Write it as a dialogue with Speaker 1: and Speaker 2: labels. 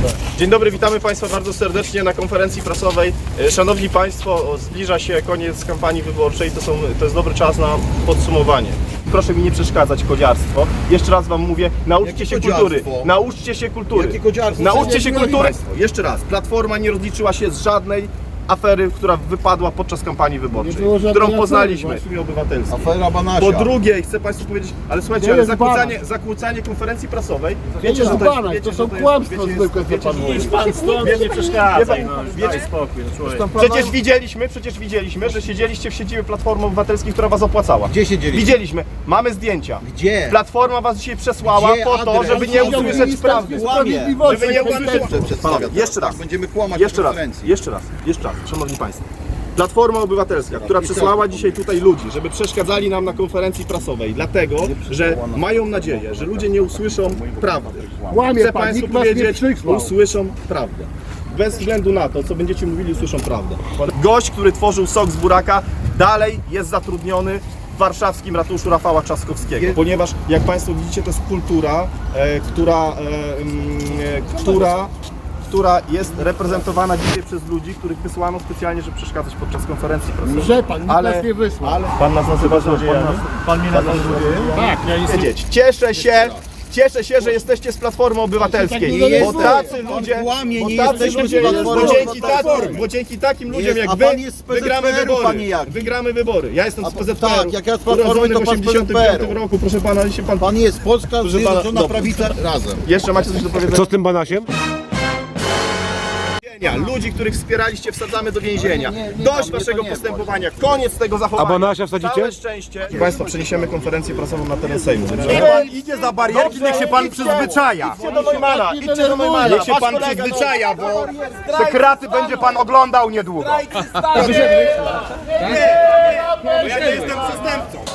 Speaker 1: Dzień dobry, witamy Państwa bardzo serdecznie na konferencji prasowej. Szanowni Państwo, zbliża się koniec kampanii wyborczej, to jest dobry czas na podsumowanie. Proszę mi nie przeszkadzać, kodziarstwo. Jeszcze raz Wam mówię, nauczcie się kultury. Nauczcie się kultury.
Speaker 2: Jakie kodziarstwo?
Speaker 1: Nauczcie się kultury.
Speaker 2: Państwo, jeszcze raz,
Speaker 1: Platforma nie rozliczyła się z żadnej afery, która wypadła podczas kampanii wyborczej,
Speaker 3: było żadnej
Speaker 1: którą
Speaker 3: afery,
Speaker 1: poznaliśmy.
Speaker 3: właśnie.
Speaker 1: Obywatelskie.
Speaker 2: afera Banasia.
Speaker 1: Po drugie, chcę Państwu powiedzieć, ale słuchajcie, ale
Speaker 3: jest
Speaker 1: zakłócanie konferencji prasowej.
Speaker 3: Wiecie, że
Speaker 1: Banaś,
Speaker 3: to są kłamstwa zwykłe, co pan mówi.
Speaker 4: Pan stąd nie przeszkadzaj, daj spokój, człowiek.
Speaker 1: Przecież widzieliśmy, że siedzieliście w siedzibie Platformy Obywatelskiej, która was opłacała.
Speaker 2: Gdzie siedzieliście?
Speaker 1: Widzieliśmy, mamy zdjęcia.
Speaker 2: Gdzie?
Speaker 1: Platforma was dzisiaj przesłała
Speaker 2: Gdzie
Speaker 1: po to,
Speaker 2: adres?
Speaker 1: żeby nie usłyszeć prawdy. Żeby nie usłyszeć. Jeszcze raz.
Speaker 2: Będziemy kłamać
Speaker 1: Jeszcze
Speaker 2: na
Speaker 1: raz,
Speaker 2: konferencji.
Speaker 1: jeszcze raz, szanowni Państwo. Platforma Obywatelska, która przesłała dzisiaj tutaj ludzi, żeby przeszkadzali nam na konferencji prasowej, dlatego, że mają nadzieję, że ludzie nie usłyszą prawdy.
Speaker 3: Kłamie
Speaker 1: Chcę
Speaker 3: pan,
Speaker 1: Państwu
Speaker 3: nikt nas nie
Speaker 1: powiedzieć,
Speaker 3: przysłał.
Speaker 1: usłyszą prawdę. Bez względu na to, co będziecie mówili, usłyszą prawdę. Gość, który tworzył sok z buraka, dalej jest zatrudniony w warszawskim ratuszu Rafała Trzaskowskiego. Ponieważ, jak Państwo widzicie, to jest kultura, która jest reprezentowana dzisiaj przez ludzi, których wysłano specjalnie, żeby przeszkadzać podczas konferencji prasowej.
Speaker 3: Że pan, nikt nas nie wysłał.
Speaker 1: Pan nas nazywa złodziejami?
Speaker 4: Pan mnie nazywa złodziejem?
Speaker 3: Tak, ja jestem...
Speaker 1: Wiedzieć. Cieszę się, że jesteście z Platformy Obywatelskiej,
Speaker 3: Nie
Speaker 1: bo
Speaker 3: jesteśmy.
Speaker 1: tacy ludzie,
Speaker 2: kłamie, nie
Speaker 1: bo tacy
Speaker 2: jesteśmy
Speaker 1: ludzie,
Speaker 2: z Platformy
Speaker 1: bo dzięki takim ludziom jak
Speaker 2: a
Speaker 1: wy
Speaker 2: pan jest z
Speaker 1: wygramy
Speaker 2: PZPR-u,
Speaker 1: wybory.
Speaker 2: panie Jaki.
Speaker 1: Wygramy wybory. Ja jestem z PZPR-u.
Speaker 2: tak, jak ja z Platformy, to
Speaker 1: w
Speaker 2: pan z
Speaker 1: 85
Speaker 2: PZPR-u.
Speaker 1: roku, proszę pana, ale się pan...
Speaker 2: Pan jest Polska Zjednoczona
Speaker 1: dobra.
Speaker 2: Prawica razem.
Speaker 1: Jeszcze macie coś do powiedzenia?
Speaker 4: Co z tym Banasiem?
Speaker 1: Ludzi, których wspieraliście, wsadzamy do więzienia. Dość
Speaker 2: mnie
Speaker 1: waszego
Speaker 2: to nie
Speaker 1: postępowania, koniec tego zachowania.
Speaker 4: A Banasia wsadzicie?
Speaker 1: Całe szczęście. Proszę Państwa, przeniesiemy konferencję prasową na teren Sejmu.
Speaker 5: Pan idzie za barierki, niech się pan przyzwyczaja.
Speaker 1: Idźcie do Neumana, idźcie do Neumana.
Speaker 5: Niech się pan przyzwyczaja, bo te kraty będzie pan oglądał niedługo.
Speaker 1: Ja nie jestem przestępcą.